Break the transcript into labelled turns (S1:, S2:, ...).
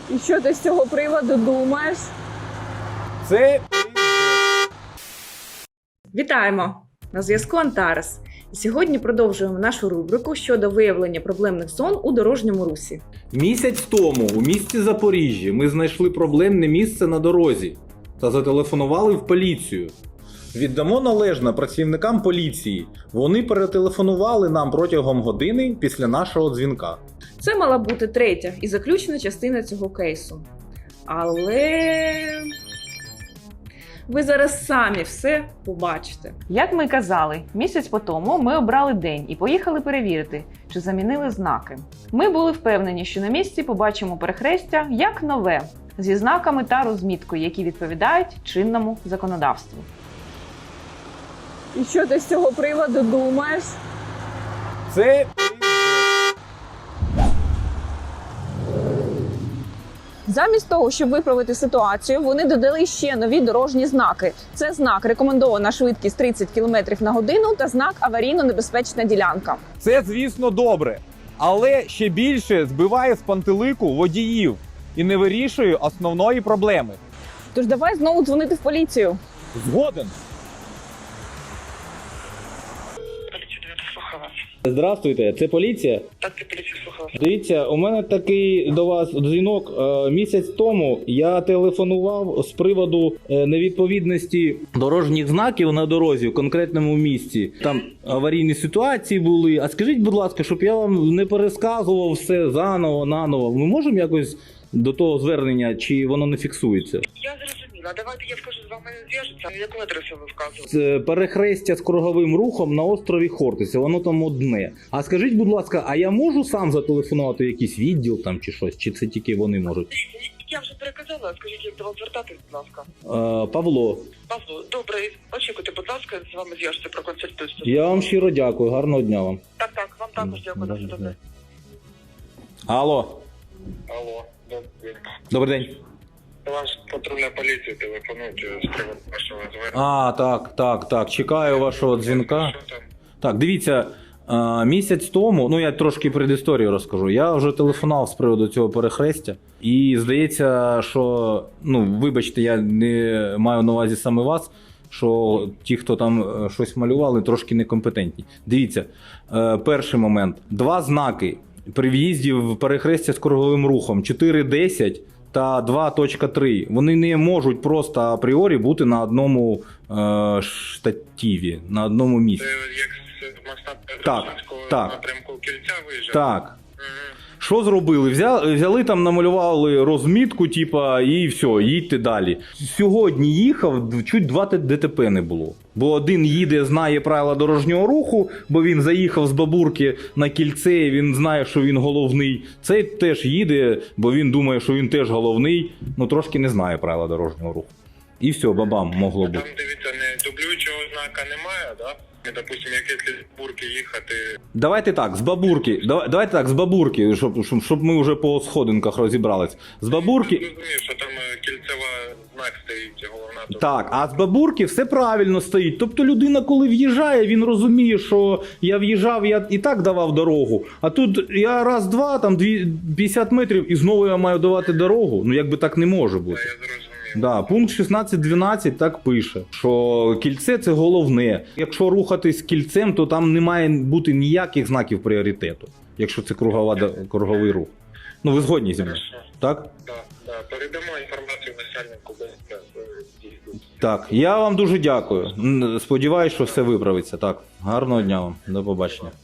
S1: І що ти з цього приводу думаєш?
S2: Це
S1: Вітаємо! На зв'язку Антарес. І сьогодні продовжуємо нашу рубрику щодо виявлення проблемних зон у дорожньому русі.
S2: місяць тому у місті Запоріжжя ми знайшли проблемне місце на дорозі та зателефонували в поліцію. Віддамо належне працівникам поліції. Вони перетелефонували нам протягом години після нашого дзвінка.
S1: Це мала бути третя і заключна частина цього кейсу. Але ви зараз самі все побачите.
S3: Як ми й казали, місяць по тому ми обрали день і поїхали перевірити, чи замінили знаки. Ми були впевнені, що на місці побачимо перехрестя як нове, зі знаками та розміткою, які відповідають чинному законодавству.
S1: І що ти з цього приводу думаєш?
S2: Це
S1: Замість того, щоб виправити ситуацію, вони додали ще нові дорожні знаки. Це знак «Рекомендована швидкість 30 км на годину» та знак «Аварійно-небезпечна ділянка».
S4: Це, звісно, добре, але ще більше збиває з пантелику водіїв і не вирішує основної проблеми.
S1: Тож давай знову дзвонити в поліцію.
S4: Згоден.
S2: Здравствуйте, це поліція?
S5: Так, ти поліцію слухала.
S2: Дивіться, у мене такий до вас дзвінок. Місяць тому я телефонував з приводу невідповідності дорожніх знаків на дорозі в конкретному місці. Там аварійні ситуації були. А скажіть, будь ласка, щоб я вам не пересказував все наново. Ми можемо якось до того звернення, чи воно не фіксується?
S5: Я зрозуміла. Давайте я скажу, з вами зв'яжуться. Яку адресу ви вказували?
S2: Це перехрестя з круговим рухом на острові Хортиця, воно там одне. А скажіть, будь ласка, а я можу сам зателефонувати в якийсь відділ там чи щось? Чи це тільки вони можуть?
S5: Я вже переказала, скажіть, як до вас звертатись, будь ласка.
S2: Павло,
S5: Павло, добре, очікуйте, будь ласка, з вами зв'яжуться, проконсультуюся.
S2: я вам щиро дякую, гарного дня вам.
S5: Так, вам також дякую, на все добре.
S2: Алло,
S6: Алло,
S2: добрий день.
S6: до вас патрульна поліція телефонують з приводу вашого звернення.
S2: Так, чекаю вашого дзвінка.
S6: Що там?
S2: Так, дивіться, місяць тому, ну я трошки предісторію розкажу, я вже телефонував з приводу цього перехрестя. І здається, що, вибачте, я не маю на увазі саме вас, що ті, хто там щось малювали, трошки некомпетентні. Дивіться, перший момент. Два знаки при в'їзді в перехрестя з круговим рухом 4.10 та 2.3. Вони не можуть просто апріорі бути на одному штативі, на одному місці.
S6: Це як з моста
S2: Так,
S6: Петросинського
S2: так.
S6: напрямку Кільця виїжджає?
S2: Так.
S6: Мгм.
S2: Що зробили? Взяли там, намалювали розмітку, і все, їдьте далі. Сьогодні їхав, чуть 2 ДТП не було. Бо один їде, знає правила дорожнього руху, бо він заїхав з бабурки на кільце, і він знає, що він головний. Цей теж їде, бо він думає, що він теж головний, трошки не знає правила дорожнього руху. І все, бабам могло бути.
S6: Там, дивіться, не дублюючого знака немає, да? Допустимо, якісь бурки їхати.
S2: Давайте так, з бабурки, щоб ми вже по сходинках розібрались. З бабурки...
S6: Я розумію, що там кільцева знак стоїть, головна. тут.
S2: Так, а з бабурки все правильно стоїть. Тобто людина, коли в'їжджає, він розуміє, що я в'їжджав, я і так давав дорогу. А тут я раз-два, там 50 метрів, і знову я маю давати дорогу. Якби так не може бути.
S6: Я зрозумів.
S2: Да, пункт 16.12 так пише, що кільце – це головне. Якщо рухатись кільцем, то там не має бути ніяких знаків пріоритету, якщо це круговий рух. Ви згодні зі мною?
S6: Хорошо.
S2: Так?
S6: Да. Передамо інформацію начальнику БСП.
S2: Так, я вам дуже дякую. Сподіваюсь, що все виправиться. Так, гарного дня вам. До побачення.